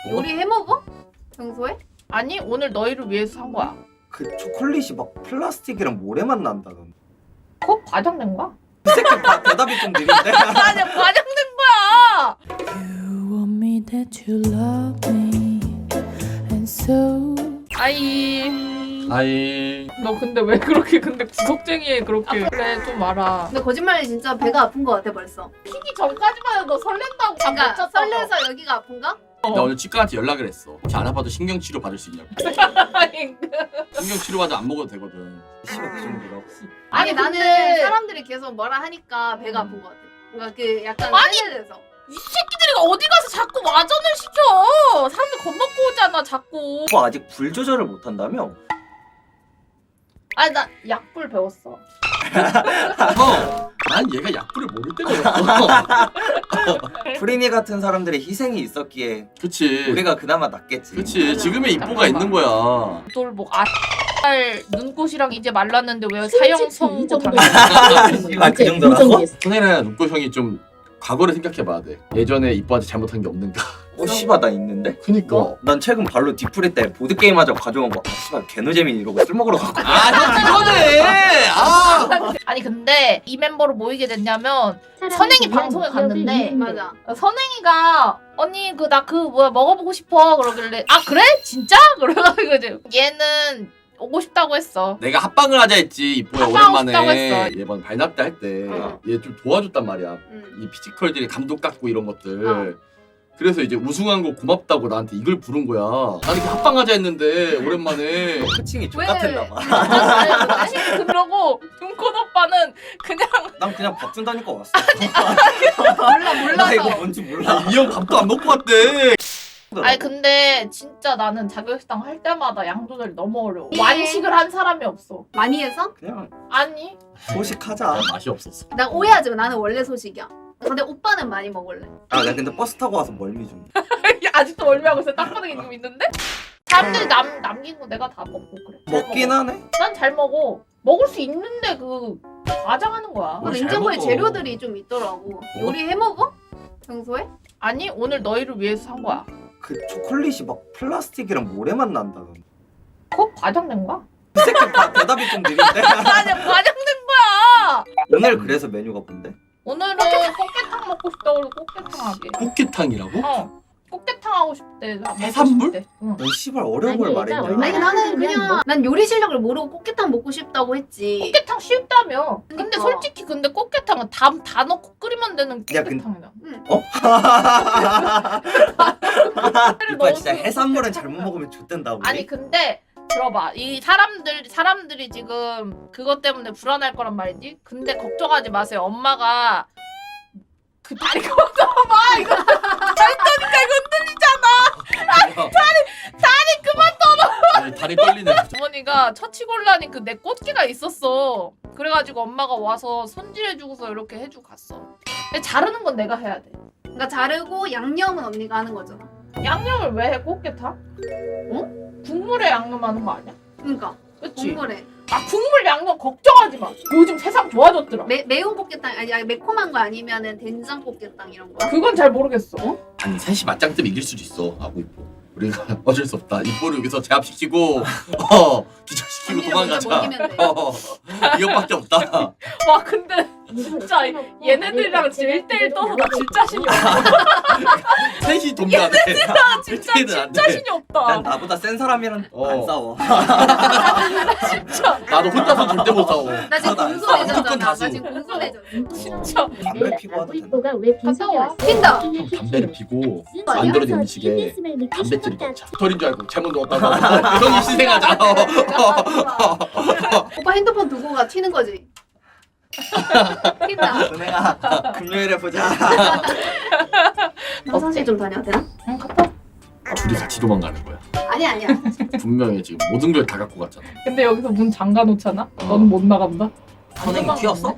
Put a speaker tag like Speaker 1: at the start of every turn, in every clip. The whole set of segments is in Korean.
Speaker 1: 요리 해먹어? 평소에?
Speaker 2: 아니 오늘 너희를 위해서 산 거야.
Speaker 3: 그 초콜릿이 막 플라스틱이랑 모래만 난다던데.
Speaker 2: 그거 과장된 거야?
Speaker 3: 이 새끼 대답이 좀 느린데?
Speaker 2: 아니 과장된 거야.
Speaker 4: You want me that you love me and so
Speaker 2: 아이 너 근데 왜 그렇게 근데 구석쟁이에 그렇게 그래 좀 알아.
Speaker 1: 근데 거짓말이 진짜 배가 아픈 거 같아 벌써.
Speaker 2: 피기 전까지만 해도 너 설렌다고 잠 못
Speaker 1: 그러니까
Speaker 2: 잤다고.
Speaker 1: 설레서 여기가 아픈가?
Speaker 5: 나 오늘 치과한테 연락을 했어. 혹시 안 아파도 신경치료 받을 수 있냐고.
Speaker 2: 아니,
Speaker 5: 신경치료 받아 안 먹어도 되거든.
Speaker 3: 씨발 그 정도라고.
Speaker 1: 아니
Speaker 2: 근데-
Speaker 1: 나는 사람들이 계속 뭐라 하니까 배가 아픈 거 같아. 그러니까 그 약간
Speaker 2: 아니!
Speaker 1: 세뇌돼서.
Speaker 2: 이 새끼들이 어디 가서 자꾸 와전을 시켜. 사람들 겁먹고 오잖아 자꾸.
Speaker 3: 오빠 아직 불 조절을 못한다며?
Speaker 2: 아니 나 약불 배웠어.
Speaker 5: 난 얘가 약불을 모를 때가 없어.
Speaker 3: 프리니 같은 사람들의 희생이 있었기에
Speaker 5: 그치.
Speaker 3: 우리가 그나마 낫겠지.
Speaker 5: 그치. 지금의 이뽀가 있는 거야.
Speaker 2: 돌뭐 눈꽃이랑 이제 말랐는데 왜 사형 선고
Speaker 3: 아, 그 정도라고?
Speaker 5: 손혜나 눈꽃 형이 좀 과거를 생각해봐야 돼. 예전에 이뽀한테 잘못한 게 없는가.
Speaker 3: 어 씨발 나 있는데?
Speaker 5: 그니까.
Speaker 3: 난 최근 발로 뒤풀이 때 보드게임 하자고 가져온 거 씨발 개노재민 이러고 술 먹으러 갔거든.
Speaker 5: 형 그거네.
Speaker 2: 아니 근데 이 멤버로 모이게 됐냐면 선행이 방송에 갔는데
Speaker 1: 맞아.
Speaker 2: 선행이가 언니 그 나 그 뭐야 먹어보고 싶어 그러길래 아 그래? 진짜? 그래가지고 이제 얘는 오고 싶다고 했어.
Speaker 5: 내가 합방을 하자 했지 이뽀야
Speaker 2: 합방하고 싶다고
Speaker 5: 오랜만에
Speaker 2: 했어.
Speaker 5: 이번 발납대 할 때 얘
Speaker 2: 어.
Speaker 5: 좀 도와줬단 말이야.
Speaker 1: 응.
Speaker 5: 이 피지컬들이 감독 깎고 이런 것들.
Speaker 1: 어.
Speaker 5: 그래서 이제 우승한 거 고맙다고 나한테 이걸 부른 거야. 나는 이렇게 합방하자 했는데 오랜만에
Speaker 3: 코칭이
Speaker 1: 왜?
Speaker 3: X같았나 봐.
Speaker 2: 그러고 눈꽃 오빠는 그냥
Speaker 3: 난 그냥 밥 준다니까 왔어.
Speaker 1: 몰라
Speaker 3: 나
Speaker 1: 몰라서.
Speaker 3: 이거 뭔지 몰라.
Speaker 5: 이 형 밥도 안 먹고 왔대.
Speaker 2: 아니 근데 진짜 나는 자격식당 할 때마다 양 조절이 너무 어려워. 완식을 한 사람이 없어.
Speaker 1: 많이 해서?
Speaker 3: 그냥
Speaker 2: 아니
Speaker 3: 소식하자.
Speaker 5: 맛이 없었어.
Speaker 1: 나 오해하지 마. 나는 원래 소식이야. 근데 오빠는 많이 먹을래.
Speaker 3: 아 나 근데 버스 타고 와서 멀미 좀.
Speaker 2: 아직도 멀미하고 있어. 땅바닥에 지금 있는데? 사람들이 남긴 거 내가 다 먹고 그래. 잘
Speaker 3: 먹긴
Speaker 2: 먹어.
Speaker 3: 하네.
Speaker 2: 난 잘 먹어. 먹을 수 있는데 그 과장하는 거야.
Speaker 1: 그
Speaker 5: 뭘 잘
Speaker 1: 냉장고에
Speaker 5: 먹어.
Speaker 1: 재료들이 좀 있더라고. 요리 해먹어? 평소에?
Speaker 2: 아니 오늘 너희를 위해서 산 거야.
Speaker 3: 그 초콜릿이 막 플라스틱이랑 모래만 난다던데.
Speaker 2: 그거 과장된 거야?
Speaker 3: 이 새끼 대답이 좀 느린데?
Speaker 2: 아니 과장된 거야.
Speaker 3: 오늘 그래서 메뉴가 뭔데?
Speaker 2: 오늘은 꽃게탕 먹고 싶다고 그래서 꽃게탕 하게.
Speaker 5: 꽃게탕이라고?
Speaker 2: 어. 꽃게탕 하고 싶대. 나 먹고
Speaker 5: 해산물?
Speaker 2: 싶대. 응.
Speaker 3: 넌 씨발 어려운 걸 말했냐?
Speaker 1: 아니 나는 그냥 난 요리 실력을 모르고 꽃게탕 먹고 싶다고 했지.
Speaker 2: 꽃게탕 쉽다며. 근데
Speaker 1: 그러니까.
Speaker 2: 솔직히 근데 꽃게탕은 다 넣고 끓이면 되는
Speaker 3: 야, 근-
Speaker 2: 꽃게탕이야.
Speaker 3: 이봐 진짜 해산물은 잘못 먹으면 좆된다 우리.
Speaker 2: 아니 근데 들어봐. 이 사람들이 지금 그것 때문에 불안할 거란 말이지. 근데 걱정하지 마세요. 엄마가 그 다리 그만 떠봐. 이거 다리떠니까 이거 흔들리잖아. 다리 그만.
Speaker 5: 아니, 다리 떨리네.
Speaker 2: 주머니가 처치곤란인 그 내 꽃게가 있었어. 그래가지고 엄마가 와서 손질해주고서 이렇게 해주고 갔어. 근데 자르는 건 내가 해야 돼.
Speaker 1: 그러니까 자르고 양념은 언니가 하는 거잖아.
Speaker 2: 양념을 왜 해? 꽃게탕? 어? 국물에 양념하는 거 아니야?
Speaker 1: 그러니까
Speaker 2: 그치?
Speaker 1: 국물에
Speaker 2: 아 국물 양념 걱정하지 마. 요즘 세상 좋아졌더라.
Speaker 1: 매운 꽃게탕 아니 매콤한 거 아니면은 된장 꽃게탕 이런 거.
Speaker 2: 그건 잘 모르겠어.
Speaker 5: 아니 셋이 맞짱 뜨면 이길 수도 있어. 하고 이뻐. 우리가 어쩔 수 없다. 이뽀를 여기서 제압시키고 기절시키고
Speaker 1: 언니를 먼저
Speaker 5: 도망가자.
Speaker 1: 먹이면 돼.
Speaker 5: 이것밖에 없다.
Speaker 2: 와 근데 진짜 얘네들이랑 진짜 1대1 떠서 나 질 자신이 없다.
Speaker 5: 셋이 돕면 안 돼.
Speaker 2: 진짜
Speaker 5: 안
Speaker 2: 질
Speaker 5: 돼.
Speaker 2: 자신이
Speaker 3: 난
Speaker 2: 없다.
Speaker 3: 나보다 센 사람이랑 안 싸워.
Speaker 2: 진짜
Speaker 5: 나도 혼자서 절대 못 싸워.
Speaker 1: 나 지금
Speaker 3: 나도 안
Speaker 1: 공소
Speaker 3: 싸워.
Speaker 1: 내전잖아.
Speaker 5: 무조건
Speaker 1: 나
Speaker 5: 다수.
Speaker 1: 지금 공소 내전.
Speaker 2: 진짜.
Speaker 3: 담배 피고 하도 되나?
Speaker 4: 이뽀가 왜 빈속에
Speaker 2: 갔다 와.
Speaker 4: 왔어?
Speaker 1: 튄다.
Speaker 5: 형 담배를 피고
Speaker 1: 아니야?
Speaker 5: 만들어진 음식에 담배줄이 넣자. 털인 줄 알고 잘못 넣었다고. 형이 희생하자.
Speaker 1: 오빠 핸드폰 두고 가 튀는 거지. 튄다.
Speaker 3: 은혜야 금요일에 보자.
Speaker 1: 화장실 좀 다녀야 되나?
Speaker 2: 응 갔다.
Speaker 5: 둘이 같이 도망가는 거야.
Speaker 1: 아니야.
Speaker 5: 분명히 지금 모든 걸 다 갖고 갔잖아.
Speaker 2: 근데 여기서 문 잠가 놓잖아? 넌 못 나간다?
Speaker 3: 선생님 튀었어?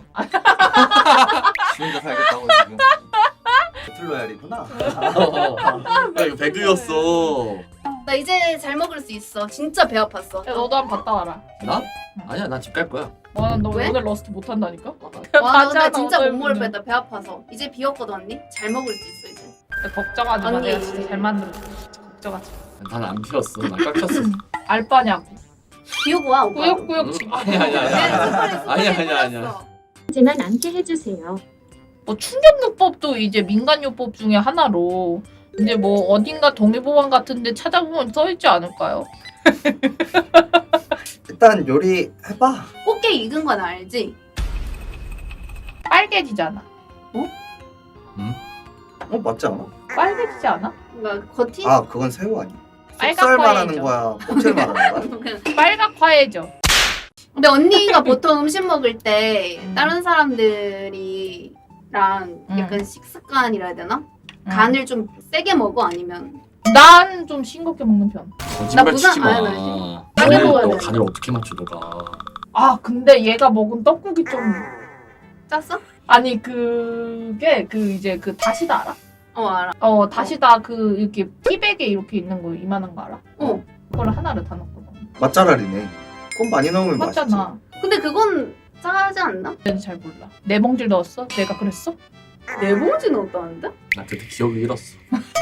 Speaker 3: 지 혼자 살겠다고 지금. 배틀로얄이구나.
Speaker 5: 야 이거 배그였어.
Speaker 1: 나 이제 잘 먹을 수 있어. 진짜 배 아팠어.
Speaker 2: 야 너도 한번 갔다 와라.
Speaker 5: 나? 아니야 나 집 갈 거야.
Speaker 2: 와너
Speaker 1: 왜?
Speaker 2: 오늘 러스트 못 한다니까?
Speaker 1: 와, 나
Speaker 2: 가잖아,
Speaker 1: 진짜 못
Speaker 2: 오늘
Speaker 1: 먹을
Speaker 2: 분은.
Speaker 1: 뻔했다. 배 아파서. 이제 비었거든 언니. 잘 먹을 수 있어 이제.
Speaker 2: 걱정하지 마.
Speaker 1: 언니.
Speaker 2: 내가 진짜 잘 만들어. 쪄가지고.
Speaker 5: 난 안 피웠어. 난 깎였어.
Speaker 2: 알바냐고.
Speaker 1: 비우고 와 오빠.
Speaker 2: 꾸역꾸역
Speaker 5: 응?
Speaker 2: 지금.
Speaker 5: 아니야.
Speaker 6: 하지만 않게 해주세요.
Speaker 2: 뭐 충격요법도 이제 민간요법 중에 하나로 이제 뭐 어딘가 동의보안 같은데 찾아보면 써있지 않을까요?
Speaker 3: 일단 요리 해봐.
Speaker 1: 꽃게 익은 건 알지?
Speaker 2: 빨개지잖아.
Speaker 3: 맞지 않아?
Speaker 2: 빨개지지 않아?
Speaker 1: 그러니까 겉이
Speaker 3: 아 그건 새우 아니야.
Speaker 2: 빨갛
Speaker 3: 속살 말하는
Speaker 2: 과일이죠.
Speaker 3: 거야? 꼬치를 말하는 거야?
Speaker 1: 그냥.
Speaker 2: 빨갛화해져.
Speaker 1: 근데 언니가 보통 음식 먹을 때 다른 사람들이랑 약간 식습관이라 해야 되나? 간을 좀 세게 먹어 아니면
Speaker 2: 난 좀 싱겁게 먹는 편.
Speaker 5: 거짓말
Speaker 1: 부산-
Speaker 5: 치지 마.
Speaker 1: 아니,
Speaker 2: 빨리
Speaker 5: 너네
Speaker 1: 먹어야
Speaker 5: 너
Speaker 1: 돼.
Speaker 5: 간을 어떻게 맞춰 너가?
Speaker 2: 아 근데 얘가 먹은 떡국이 좀
Speaker 1: 짰어?
Speaker 2: 아니 그게 그 이제 그 다시다 알아?
Speaker 1: 알아.
Speaker 2: 다시다 그 이렇게 티백에 이렇게 있는 거 이만한 거 알아?
Speaker 1: 어.
Speaker 2: 그거를 하나를 다 넣거든.
Speaker 3: 맛잘알이네. 꼭 많이 넣으면 맛있지.
Speaker 2: 맞잖아.
Speaker 1: 근데 그건 짜지 않나?
Speaker 2: 난 잘 몰라. 네 봉지를 넣었어? 내가 그랬어?
Speaker 1: 네 봉지 넣었다는데?
Speaker 5: 나 그때 기억을 잃었어.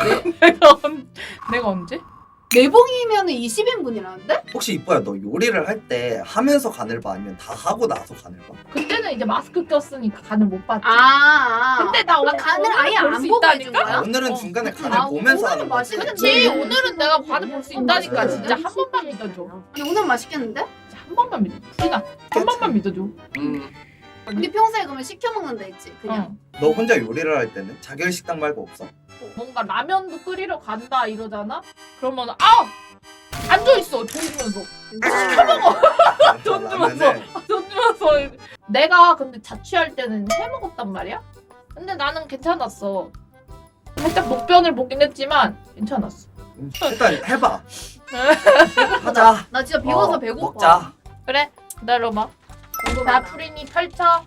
Speaker 2: 내가 언제?
Speaker 1: 네 봉이면 20인분이라는데?
Speaker 3: 혹시 이뻐야 너 요리를 할 때 하면서 간을 봐 아니면 다 하고 나서 간을 봐?
Speaker 2: 그때는 이제 마스크 꼈으니까 간을 못 봤지.
Speaker 1: 근데
Speaker 2: 나 오늘
Speaker 1: 간을 아예
Speaker 2: 볼수
Speaker 1: 안 보고 해준
Speaker 2: 있다니까?
Speaker 1: 거야?
Speaker 3: 오늘은
Speaker 2: 어.
Speaker 3: 중간에 간을 보면서 하는 거지.
Speaker 2: 그치 오늘은 내가 간을 볼 수 있다니까.
Speaker 3: 네.
Speaker 2: 진짜 한 번만 믿어줘.
Speaker 1: 아니 오늘 맛있겠는데?
Speaker 2: 진짜 한 번만 믿어줘. 풀이나 한 번만 믿어줘.
Speaker 1: 우리 평소에 그러면 시켜 먹는다 했지 그냥.
Speaker 2: 응.
Speaker 3: 너 혼자 요리를 할 때는 자결 식당 말고 없어?
Speaker 2: 뭔가 라면도 끓이러 간다 이러잖아? 그러면 앉아 있어. 돈 주면서. 시켜 먹어. 돈 주면서.
Speaker 3: 라면을
Speaker 2: 돈 주면서. 내가 근데 자취할 때는 해 먹었단 말이야? 근데 나는 괜찮았어. 살짝 목변을 보긴 했지만 괜찮았어.
Speaker 3: 일단 해봐. 하자.
Speaker 1: 나 진짜 비워서 배고파.
Speaker 3: 먹자.
Speaker 2: 그래 기다려봐.
Speaker 1: 궁금하다.
Speaker 2: 나 프린이 펼쳐.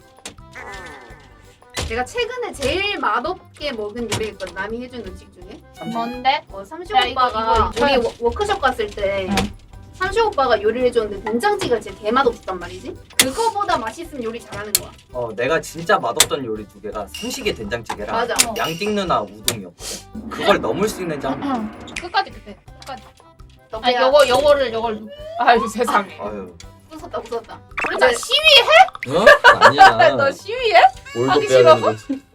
Speaker 1: 내가 최근에 제일 맛없게 먹은 요리가 있거든. 남이 해준 음식 중에.
Speaker 2: 뭔데?
Speaker 1: 삼시
Speaker 2: 야, 이거
Speaker 1: 오빠가
Speaker 2: 이거
Speaker 1: 우리 워크숍 갔을 때
Speaker 2: 응.
Speaker 1: 삼시 오빠가 요리를 해줬는데 된장찌개가 진짜 개맛없었단 말이지. 그거보다 맛있으면 요리 잘하는 거야.
Speaker 3: 내가 진짜 맛없던 요리 두 개가 삼식의 된장찌개랑
Speaker 1: 맞아.
Speaker 3: 양띵 누나 우동이었거든. 그걸 넘을 수 있는지 한번.
Speaker 2: 끝까지 그때. 끝까지.
Speaker 1: 덕분에
Speaker 2: 요걸. 아유 세상에.
Speaker 3: 아유.
Speaker 1: 웃었다.
Speaker 2: 우리 다
Speaker 1: 이제
Speaker 2: 시위해?
Speaker 5: 어? 아니야.
Speaker 2: 너 시위해?
Speaker 5: 올도
Speaker 2: 하기
Speaker 5: 빼야
Speaker 2: 싫어?
Speaker 5: 되는 거지.